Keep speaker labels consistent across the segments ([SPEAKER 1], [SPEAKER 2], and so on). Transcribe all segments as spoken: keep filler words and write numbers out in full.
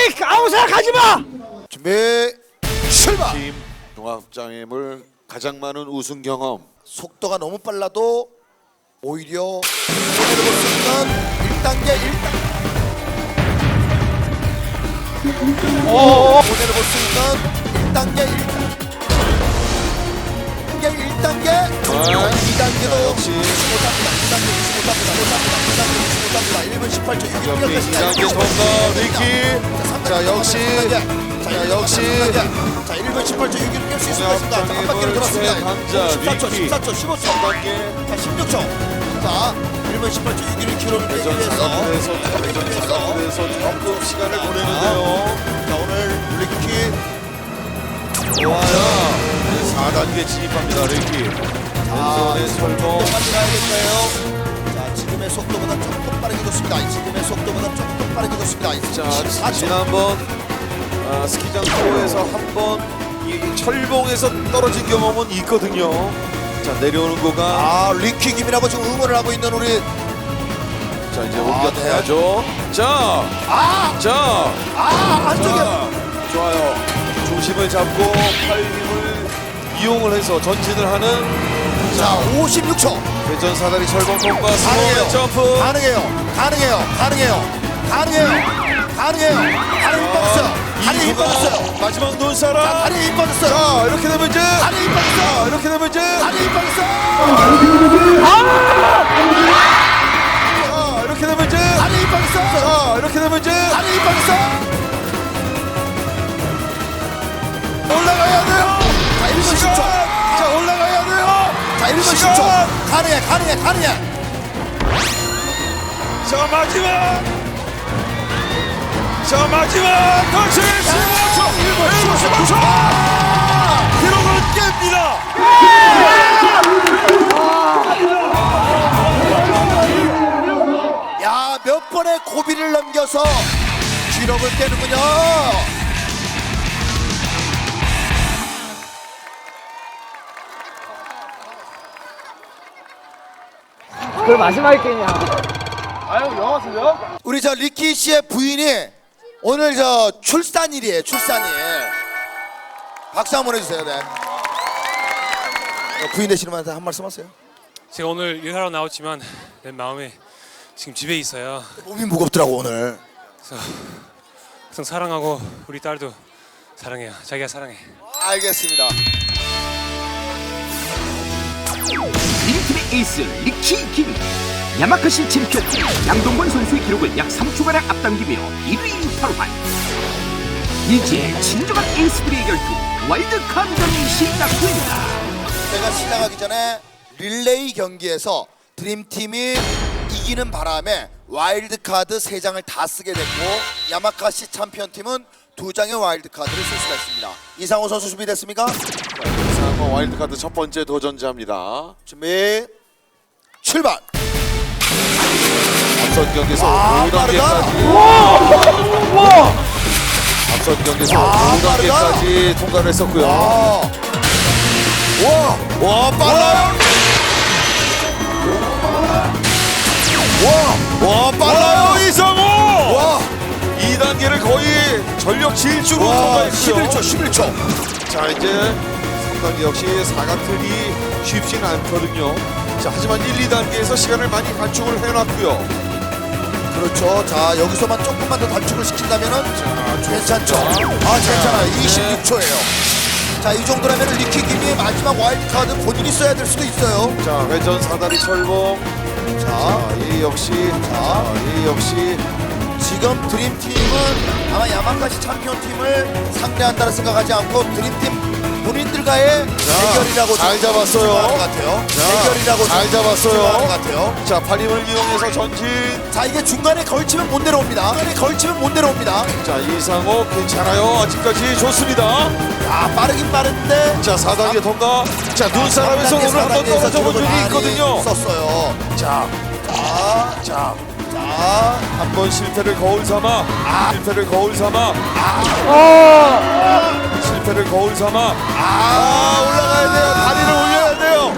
[SPEAKER 1] 아무 생각하지 마.
[SPEAKER 2] 준비 출발.
[SPEAKER 3] 팀 종합장애물 가장 많은 우승 경험.
[SPEAKER 2] 속도가 너무 빨라도 오히려 손해를 볼 수 있는 일 단계 일 단계 손해를 볼 수 있는 일 단계 일 단계 일 단계 이 단계도
[SPEAKER 3] 역시
[SPEAKER 2] 못합니다. 이 단계 못합니다. 못합니다. 이 단계 못합니다. 일 분 십팔 초 육 초
[SPEAKER 3] 이 단계 통과 리키. 자 역시 자 역시
[SPEAKER 2] 자 일 분 십팔 초 육 위를 깰 수 있습니다. 자, 한 바퀴를 돌았습니다.
[SPEAKER 3] 최강자
[SPEAKER 2] 십사 초,
[SPEAKER 3] 리키.
[SPEAKER 2] 십사 초, 십오 초, 자 십육 초. 자 일 분 십팔 초 육 위를 기록을 빼기
[SPEAKER 3] 대전
[SPEAKER 2] 위해서
[SPEAKER 3] 사각에서 대전 사각에서 조금 시간을 보내는데요.
[SPEAKER 2] 자 오늘 리키
[SPEAKER 3] 좋아요. 사 단계 진입합니다 리키.
[SPEAKER 2] 아,
[SPEAKER 3] 왼손의 설봉.
[SPEAKER 2] 빨리 가야겠어요. 자 지금의 속도보다 조금 빠르게 좋습니다. 지금의 속도보다 조금 빠르게 좋습니다.
[SPEAKER 3] 자
[SPEAKER 2] 십사 초.
[SPEAKER 3] 지난번 아, 스키장 투어에서 한번 이 철봉에서 떨어진 경험은 있거든요. 자 내려오는 구간.
[SPEAKER 2] 아 리키 김이라고 지금 응원을 하고 있는 우리
[SPEAKER 3] 자 이제
[SPEAKER 2] 아,
[SPEAKER 3] 옮겨타야죠. 자,
[SPEAKER 2] 아!
[SPEAKER 3] 자,
[SPEAKER 2] 아 안쪽에
[SPEAKER 3] 자, 좋아요. 중심을 잡고 팔 힘을 이용을 해서 전진을 하는
[SPEAKER 2] 자 오십육 초
[SPEAKER 3] 회전 사다리 철봉 통과
[SPEAKER 2] 가능해요.
[SPEAKER 3] 스로우 점프.
[SPEAKER 2] 가능해요. 가능해요. 가능해요. 가능해요. 가능해요. 다리 힘 빠졌어요. 다리 힘 빠졌어요.
[SPEAKER 3] 마지막 눈사람.
[SPEAKER 2] 다리 힘 빠졌어요.
[SPEAKER 3] 자 이렇게 되면 이제
[SPEAKER 2] 다리 힘
[SPEAKER 3] 자
[SPEAKER 2] 빠졌어요.
[SPEAKER 3] 이렇게 되면 이제
[SPEAKER 2] 다리 힘 빠졌어요.
[SPEAKER 3] 자 이렇게 되면 이제
[SPEAKER 2] 다리 힘 빠졌어요.
[SPEAKER 3] 자 이렇게 되면 이제
[SPEAKER 2] 다리 힘 빠졌어요. 올라가야 돼요. 자 일 분 십 초.
[SPEAKER 3] 자 올라가야 돼요.
[SPEAKER 2] 자 일 분 십
[SPEAKER 3] 시간.
[SPEAKER 2] 초. 가능해. 가능해. 가능해.
[SPEAKER 3] 자 마지막 자 마지막 다시 십오 초 일 분 십오 초 기록을 깹니다.
[SPEAKER 2] 야, 몇 번의 고비를 넘겨서 기록을 깨는군요.
[SPEAKER 1] 그걸 마지막에 깨냐?
[SPEAKER 2] 우리 저 리키 씨의 부인이 오늘 저 출산일이에요. 출산일. 박수 한번 해주세요. 네. 어, 부인 되시는 분한테 한 말씀 하세요.
[SPEAKER 4] 제가 오늘 일하러 나왔지만 내 마음이 지금 집에 있어요.
[SPEAKER 2] 몸이 무겁더라고 오늘.
[SPEAKER 4] 그래서 항상 사랑하고 우리 딸도 사랑해요. 자기가 사랑해.
[SPEAKER 2] 알겠습니다.
[SPEAKER 5] 드림팀의 에이스 리키 김 야마카시 챔피언 양동건 선수의 기록을 약 삼 초가량 앞당기며 일 위 탈환. 이제 진정한 에이스들의 결투 월드컵전이 시작됩니다.
[SPEAKER 2] 제가 시작하기 전에 릴레이 경기에서 드림팀이 이기는 바람에 와일드카드 세 장을 다 쓰게 됐고 야마카시 챔피언팀은 두 장의 와일드카드를 쓸 수가 있습니다. 이상호 선수 준비됐습니까?
[SPEAKER 3] 이상호 와일드카드 첫 번째 도전자입니다.
[SPEAKER 2] 준비 출발!
[SPEAKER 3] 앞선 경기에서
[SPEAKER 2] 와,
[SPEAKER 3] 오 단계까지
[SPEAKER 2] 와!
[SPEAKER 3] 앞선 경기에서
[SPEAKER 2] 와,
[SPEAKER 3] 오 단계까지 통과를 했었고요.
[SPEAKER 2] 와! 와! 와 빨라요! 와! 와 빨라요!
[SPEAKER 3] 이상호!
[SPEAKER 2] 와!
[SPEAKER 3] 이 단계를 거의 전력 질주로
[SPEAKER 2] 와!
[SPEAKER 3] 통과했고요.
[SPEAKER 2] 십일 초 십일 초
[SPEAKER 3] 자 이제 삼 단계 역시 사각틀이 쉽지는 않거든요. 자 하지만 일, 이 단계에서 시간을 많이 단축을 해놨고요.
[SPEAKER 2] 그렇죠. 자 여기서만 조금만 더 단축을 시킨다면은
[SPEAKER 3] 자
[SPEAKER 2] 괜찮죠. 아 괜찮아요. 이십육 초예요. 자 이 정도라면 리키 김이 마지막 와일드카드 본인이 써야 될 수도 있어요.
[SPEAKER 3] 자 회전 사다리 철봉.
[SPEAKER 2] 자
[SPEAKER 3] 자이 역시 자이 역시
[SPEAKER 2] 지금 드림팀은 아마 야마카시 챔피언팀을 상대한다는 생각하지 않고 드림팀 본인들과의 대결이라고
[SPEAKER 3] 잘 잡았어요.
[SPEAKER 2] 생각하는 것 같아요. 대결이라고
[SPEAKER 3] 잘
[SPEAKER 2] 생각하는
[SPEAKER 3] 잡았어요.
[SPEAKER 2] 것 같아요.
[SPEAKER 3] 자 팔힘을 이용해서 전진.
[SPEAKER 2] 자 이게 중간에 걸치면 못 내려옵니다. 중간에 걸치면 못 내려옵니다.
[SPEAKER 3] 자 이상호 괜찮아요. 아직까지 좋습니다.
[SPEAKER 2] 아 빠르긴 빠른데
[SPEAKER 3] 자 사 단계 통과. 자 눈사람에서 오늘 한번 떨어져 본 적이 있거든요.
[SPEAKER 2] 썼어요.
[SPEAKER 3] 자,
[SPEAKER 2] 자,
[SPEAKER 3] 자,
[SPEAKER 2] 자,
[SPEAKER 3] 한 번 실패를 거울 삼아. 아, 실패를 거울 삼아.
[SPEAKER 2] 아,
[SPEAKER 3] 실패를 거울 삼아. 아, 올라가야 돼요. 다리를 올려야 돼요.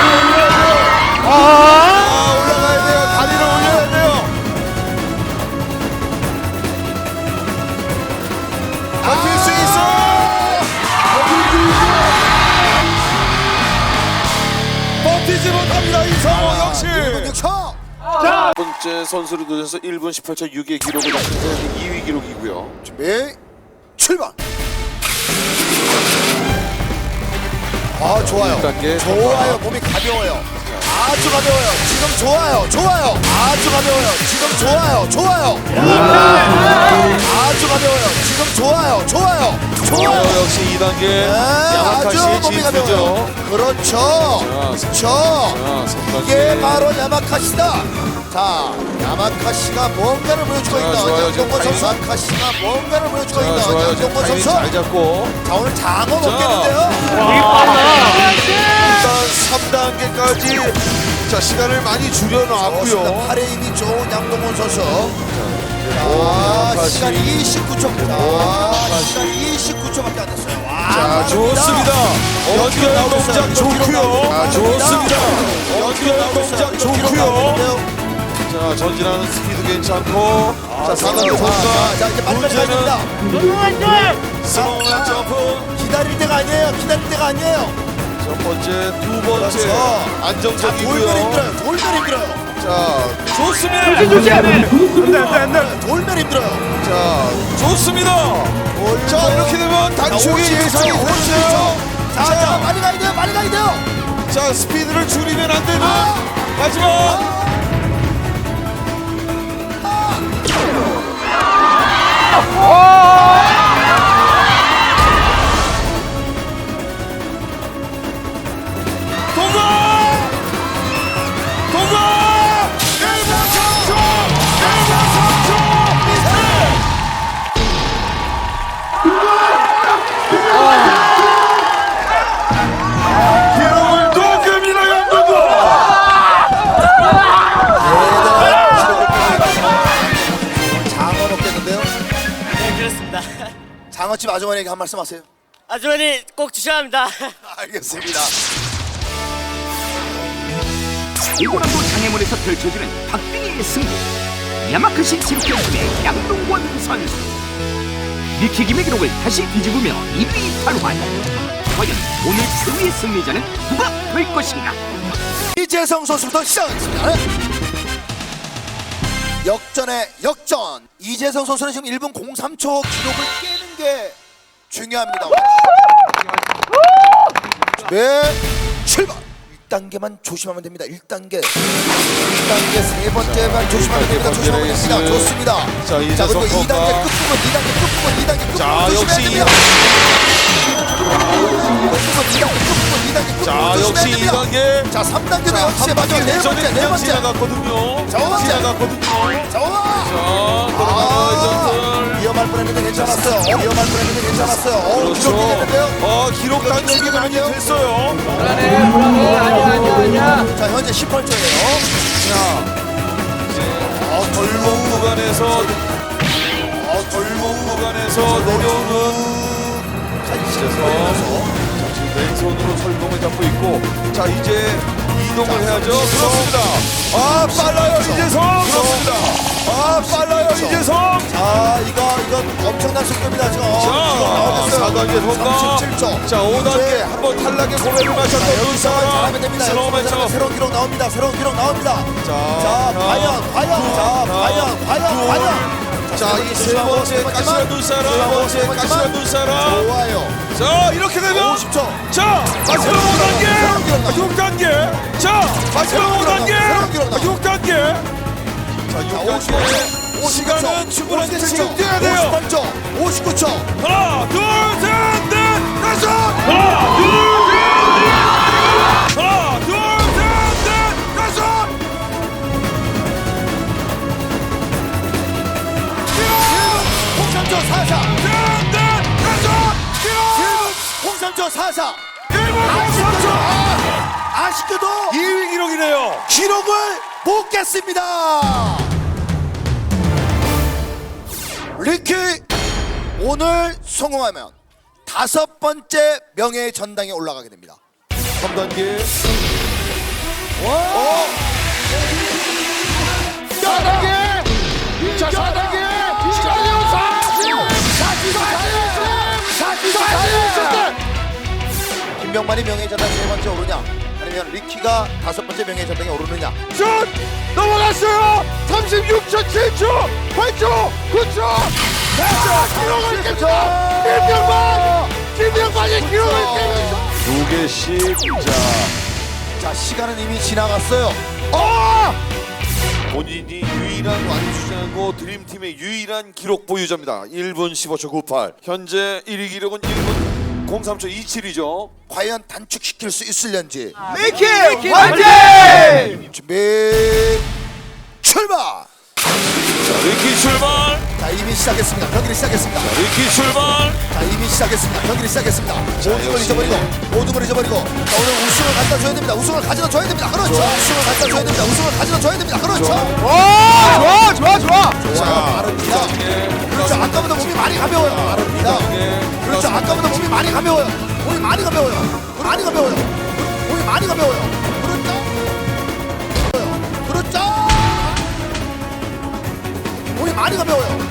[SPEAKER 3] 아, 올라가야 돼요. 다리를 올려야 돼요. 뛰지 못합니다. 이성호 역시.
[SPEAKER 2] 일 분 육 초.
[SPEAKER 3] 첫 번째 선수를 두셔서 일 분 십팔 초 육의 기록을 달성해서 이 위 기록이고요.
[SPEAKER 2] 준비 출발. 아 좋아요.
[SPEAKER 3] 일 단계
[SPEAKER 2] 좋아요. 몸이 가벼워요. 아주 가벼워요. 지금 좋아요. 좋아요. 아주 가벼워요. 지금 좋아요. 좋아요. 아주 가벼워요. 지금 좋아요. 좋아요. 좋아요.
[SPEAKER 3] 어, 역시 이 단계
[SPEAKER 2] 네, 아주
[SPEAKER 3] 야마카시의
[SPEAKER 2] 몸이 가벼워요.
[SPEAKER 3] 진수죠.
[SPEAKER 2] 그렇죠.
[SPEAKER 3] 자,
[SPEAKER 2] 그렇죠.
[SPEAKER 3] 자, 삼 단계.
[SPEAKER 2] 이게 바로 야마카시다. 자, 야마카시가 뭔가를 보여주고
[SPEAKER 3] 자,
[SPEAKER 2] 있는
[SPEAKER 3] 좋아요. 지금
[SPEAKER 2] 양동건 선수.
[SPEAKER 3] 타이밍.
[SPEAKER 2] 야마카시가 뭔가를 보여주고
[SPEAKER 3] 자,
[SPEAKER 2] 있는
[SPEAKER 3] 좋아요. 지금
[SPEAKER 2] 양동건
[SPEAKER 3] 타이밍
[SPEAKER 2] 선수.
[SPEAKER 3] 잘 잡고
[SPEAKER 2] 자, 오늘 장어
[SPEAKER 3] 자.
[SPEAKER 2] 먹겠는데요.
[SPEAKER 3] 일단 삼 단계까지 자 시간을 많이 줄여놨고요.
[SPEAKER 2] 팔에 힘이 좋은 양동건 선수. 자,
[SPEAKER 3] 야마카시.
[SPEAKER 2] 시간 이십구 초. 자, 시간 이십구 초밖에 안 됐어요. 와,
[SPEAKER 3] 자
[SPEAKER 2] 빠릅니다.
[SPEAKER 3] 좋습니다. 연결
[SPEAKER 2] 나오고
[SPEAKER 3] 동작
[SPEAKER 2] 있어요.
[SPEAKER 3] 좋고요.
[SPEAKER 2] 아,
[SPEAKER 3] 좋습니다. 연결
[SPEAKER 2] 나오고 있어요.
[SPEAKER 3] 동작
[SPEAKER 2] 기록
[SPEAKER 3] 좋고요.
[SPEAKER 2] 나오는데요.
[SPEAKER 3] 자 전진하는 스피드 괜찮고 자 사 단계
[SPEAKER 2] 자,
[SPEAKER 3] 통과.
[SPEAKER 2] 자, 자, 이제 빨리빨리 가야 됩니다.
[SPEAKER 3] 스로우한 점프.
[SPEAKER 2] 기다릴 때가 아니에요. 기다릴 때가 아니에요.
[SPEAKER 3] 첫 번째, 두 번째
[SPEAKER 2] 그렇죠. 자, 돌면
[SPEAKER 3] 안정적이고요.
[SPEAKER 2] 힘들어요. 돌면 힘들어요.
[SPEAKER 3] 자 좋습니다.
[SPEAKER 2] 돌면 힘들어요.
[SPEAKER 3] 자 좋습니다. 자 이렇게 되면 단축이 예상이 되죠.
[SPEAKER 2] 자, 자, 빨리 가야 돼요. 빨리 가야 돼요.
[SPEAKER 3] 자 스피드를 줄이면 안 되는
[SPEAKER 2] 아!
[SPEAKER 3] 마지막. 동거! 동거! 일 분 삼 초! 일 분 삼 초! 기록을 녹음이라 양동거!
[SPEAKER 2] 장어 먹겠는데요?
[SPEAKER 6] 네, 그렇습니다.
[SPEAKER 2] 장어집 아주머니에게 한 말씀 하세요.
[SPEAKER 6] 아주머니 꼭 주셔야 합니다.
[SPEAKER 2] 알겠습니다.
[SPEAKER 5] 오고남도 장애물에서 펼쳐지는 박빙의 승부. 야마카시 챔피언팀의 양동권 선수. 리키김의 기록을 다시 뒤집으며 이 위 탈환. 과연 오늘 최후의 승리자는 누가 될 것인가?
[SPEAKER 2] 이재성 선수부터 시작하겠습니다. 역전의 역전. 이재성 선수는 지금 일 분 공삼 초 기록을 깨는 게 중요합니다. 네, 출발. 일 단계만 조심하면 됩니다. 일 단계. 일 단계 세 번째만 조심하면 됩니다. 조심하면 됩니다. 좋습니다.
[SPEAKER 3] 자, 이재성
[SPEAKER 2] 그리고 이 단계
[SPEAKER 3] 선수가-
[SPEAKER 2] 끝부분, 이 단계 끝부분, 이 단계 끝부분
[SPEAKER 3] 자,
[SPEAKER 2] 조심해야
[SPEAKER 3] 역시
[SPEAKER 2] 됩니다. 끝부분, 이 단계 끝부분, 이 단계 끝부분
[SPEAKER 3] 자
[SPEAKER 2] 조심해야
[SPEAKER 3] 역시 이
[SPEAKER 2] 됩니다.
[SPEAKER 3] 단계.
[SPEAKER 2] 자, 삼 단계도
[SPEAKER 3] 자,
[SPEAKER 2] 역시
[SPEAKER 3] 한
[SPEAKER 2] 마지막
[SPEAKER 3] 바퀴
[SPEAKER 2] 네
[SPEAKER 3] 전에
[SPEAKER 2] 번째, 네
[SPEAKER 3] 그냥
[SPEAKER 2] 번째.
[SPEAKER 3] 지나갔거든요.
[SPEAKER 2] 자, 번째.
[SPEAKER 3] 지나갔거든요.
[SPEAKER 2] 자, 와!
[SPEAKER 3] 자, 들어가는
[SPEAKER 2] 아,
[SPEAKER 3] 레전드.
[SPEAKER 2] 위험할 뻔했는데 괜찮았어요. 어, 위험할 뻔했는데 괜찮았어요. 어,
[SPEAKER 3] 그렇죠.
[SPEAKER 2] 기록 깨졌는데요.
[SPEAKER 3] 어, 기록 단축이 많이 됐어요.
[SPEAKER 1] 불안해 불안해 아니야 아니야 아니야.
[SPEAKER 2] 자, 현재 십팔 초예요.
[SPEAKER 3] 자, 이제 어, 골목 구간에서 어, 골목 구간에서 내려오는 이제서 자, 지금 왼손으로 설봉을 잡고 있고 자, 이제 이동을 해야죠. 그렇습니다. 아, 빨라요, 이재성. 그렇습니다. 아, 빨라요, 이재성.
[SPEAKER 2] 자, 이거 이건 엄청난 속도입니다. 지금. 어, 기록
[SPEAKER 3] 자,
[SPEAKER 2] 나오겠어요.
[SPEAKER 3] 사 단계 통과.
[SPEAKER 2] 삼십칠 초.
[SPEAKER 3] 자, 오 단계
[SPEAKER 2] 이제
[SPEAKER 3] 한번 탈락의 고백을 마쳤던
[SPEAKER 2] 여기서만
[SPEAKER 3] 눈사람
[SPEAKER 2] 잘하면 됩니다.
[SPEAKER 3] 슬로우
[SPEAKER 2] 여기서만 잘하면
[SPEAKER 3] 매쳐.
[SPEAKER 2] 새로운 기록 나옵니다. 새로운 기록 나옵니다.
[SPEAKER 3] 자,
[SPEAKER 2] 자, 과연, 과연, 자, 과연, 과연, 과연.
[SPEAKER 3] 자, 이 세 번째 가시라 눈사람, 세 번째 가시라 눈사람.
[SPEAKER 2] 좋아요.
[SPEAKER 3] 자, 이렇게 되면
[SPEAKER 2] 오십 초.
[SPEAKER 3] 자, 마지막 오 단계,
[SPEAKER 2] 새로운 기록 나옵니다.
[SPEAKER 3] 육 단계. 자, 마지막
[SPEAKER 2] 새로운
[SPEAKER 3] 오 단계,
[SPEAKER 2] 새로운 기록 나옵니다.
[SPEAKER 3] 육 단계. 자, 육 단계. 시간은 충분한데 지금 뛰어야 돼요.
[SPEAKER 2] 오십팔 초. 오십구 초.
[SPEAKER 3] 하나, 둘, 셋, 넷, 다섯. 하나, 둘, 셋, 넷. 하나, 둘, 셋, 넷, 다섯.
[SPEAKER 2] 홍삼 초 사사.
[SPEAKER 3] 셋, 넷, 다섯.
[SPEAKER 2] 홍삼 초 사사.
[SPEAKER 3] 일 분 삼 초.
[SPEAKER 2] 아쉽게도
[SPEAKER 3] 이 위 기록이네요.
[SPEAKER 2] 기록을 못 깼습니다. 리키 오늘 성공하면 다섯 번째 명예의 전당에 올라가게 됩니다.
[SPEAKER 3] 삼 단계.
[SPEAKER 2] 어? 사 단계. 자, 사 단계. 김병만이 명예의 전당 세 번째 오르냐? 아니면 리키가 다섯 번째 명예전당에 오르느냐.
[SPEAKER 3] 슛! 넘어갔어요! 삼십육 초, 칠 초, 팔 초, 구 초! 자, 기록을 깹니다! 김병만! 김병만이 기록을 깨면서 두 개씩 자
[SPEAKER 2] 자, 시간은 이미 지나갔어요.
[SPEAKER 3] 어! 본인이 유일한 완주자고 드림팀의 유일한 기록 보유자입니다. 일 분 십오 초 구십팔. 현재 일 위 기록은 일 분 공삼 초 이십칠이죠.
[SPEAKER 2] 과연 단축시킬 수 있을런지.
[SPEAKER 3] 리키 화이팅!
[SPEAKER 2] 준비 출발.
[SPEAKER 3] 자, 리키 출발!
[SPEAKER 2] 자, 이미 시작했습니다. 경기를 시작했습니다.
[SPEAKER 3] 리키 출발!
[SPEAKER 2] 자, 이미 시작했습니다. 경기를 시작했습니다. 모든 걸
[SPEAKER 3] 역시.
[SPEAKER 2] 잊어버리고 모든 걸 잊어버리고 자, 오늘 우승을 갖다 줘야 됩니다. 우승을 가져다 줘야 됩니다. 그렇죠. 우승을 갖다 줘야 됩니다. 우승을 가져다 줘야 됩니다. 그렇죠.
[SPEAKER 3] 좋아, 좋아, 좋아!
[SPEAKER 2] 자, 빠릅니다. 그렇죠. 아까보다 몸이 많이 가벼워요. 빠릅니다. 그렇죠. 아까보다 몸이 많이 가벼워요. 몸이 많이 가벼워요. 많이 가벼워요. 몸이 많이 가벼워요. 그렇죠. 그렇죠. 몸이 많이 가벼워요.